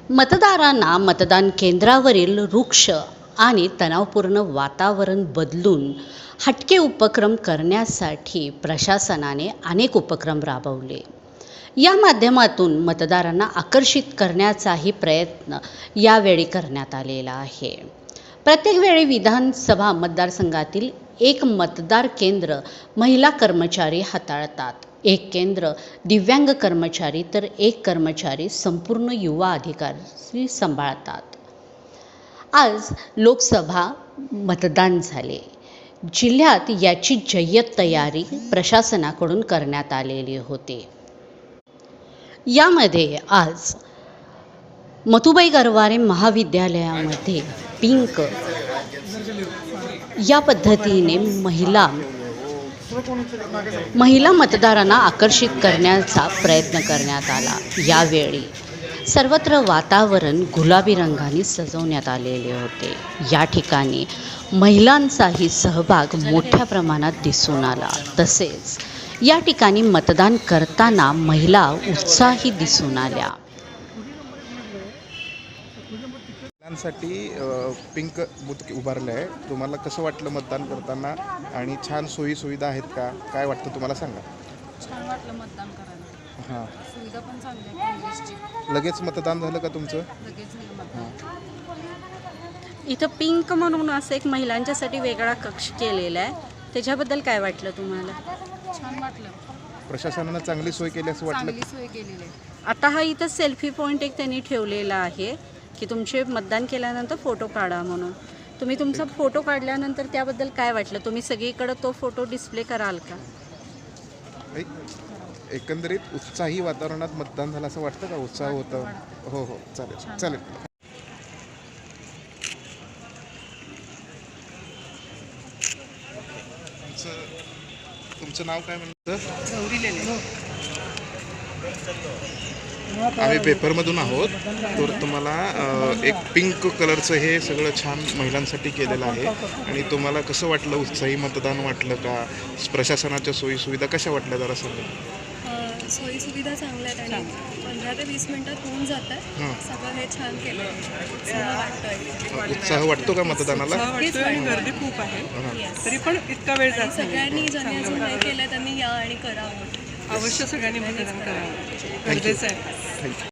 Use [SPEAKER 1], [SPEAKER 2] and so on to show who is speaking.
[SPEAKER 1] मतदारांना मतदान केंद्रावरील रुक्ष आणि तणावपूर्ण वातावरण बदलून हटके उपक्रम करण्यासाठी प्रशासनाने अनेक उपक्रम राबवले. या माध्यमातून मतदारांना आकर्षित करण्याचाही प्रयत्न यावेळी करण्यात आलेला आहे. प्रत्येक वेळी विधानसभा मतदारसंघातील एक मतदार केंद्र महिला कर्मचारी हाताळतात, एक केंद्र दिव्यांग कर्मचारी तर एक कर्मचारी संपूर्ण युवा अधिकारी सांभाळतात. आज लोकसभा मतदान झाले. जिल्ह्यात याची जय्यत तयारी प्रशासनाकडून करण्यात आलेली होती. यामध्ये आज मथुबाई गरवारे महाविद्यालयामध्ये पिंक या पद्धतीने महिला मतदारांना आकर्षित करण्याचा प्रयत्न करण्यात आला. यावेळी सर्वत्र वातावरण गुलाबी रंगाने सजवण्यात आलेले होते. या ठिकाणी महिलांचाही सहभाग मोठ्या प्रमाणात दिसून आला. तसेच या ठिकाणी मतदान करताना महिला उत्साही दिसून आल्या.
[SPEAKER 2] महिलांसाठी पिंक बूथ उभारलं आहे. तुम्हाला कसं वाटलं मतदान करताना आणि छान सोयी सुविधा आहेत का? काय वाटतं तुम्हाला सांगा.
[SPEAKER 3] छान वाटलं मतदान करायला.
[SPEAKER 2] हां,
[SPEAKER 3] सुविधा पण चांगली आहे काँग्रेसची.
[SPEAKER 2] लगेच मतदान झालं का तुमचं?
[SPEAKER 3] लगेच झालं मतदान.
[SPEAKER 4] इथं पिंक म्हणून असं एक महिलांच्यासाठी वेगळा कक्ष केलेला आहे. त्याच्याबद्दल काय वाटलं तुम्हाला?
[SPEAKER 3] छान वाटलं.
[SPEAKER 2] प्रशासनानं चांगली सोय केली असं वाटलं?
[SPEAKER 3] चांगली सोय केलेली आहे.
[SPEAKER 4] आता हा इथं सेल्फी पॉईंट एक त्यांनी ठेवलेला आहे की तुमचे मतदान केल्यानंतर फोटो काढा म्हणून. तुम्ही तुमचा फोटो काढल्यानंतर त्याबद्दल काय वाटलं? तुम्ही सगळीकडे तो फोटो डिस्प्ले कराल का?
[SPEAKER 2] एकंदरीत उत्साही वातावरणात मतदान झालं असं वाटतं का? उत्साह होतं? हो हो, चालेल चालेल. तुमचं नाव काय म्हणतं? आम्ही पेपरमधून आहोत. तर तुम्हाला एक पिंक कलरचं हे सगळं छान महिलांसाठी केलेलं आहे. आणि तुम्हाला कसं वाटलं? उत्साही मतदान वाटलं का? प्रशासनाच्या सोयीसुविधा कशा वाटल्या जरा सांगा.
[SPEAKER 5] सोयीसुविधा चांगल्या आहेत आणि 15 ते 20 मिनिटात होऊन जातात. सगळं हे छान केलं.
[SPEAKER 2] उत्साह वाटतो का मतदानाला?
[SPEAKER 6] आणि गर्दी खूप आहे, तरी पण इतका वेळ जात नाही.
[SPEAKER 5] सगळ्यांनी ज्यांनी अजून नाही केलं त्यांनी या आणि करावं.
[SPEAKER 6] अवश्य सगळ्यांनी मतदान करावं, गरजेचं आहे.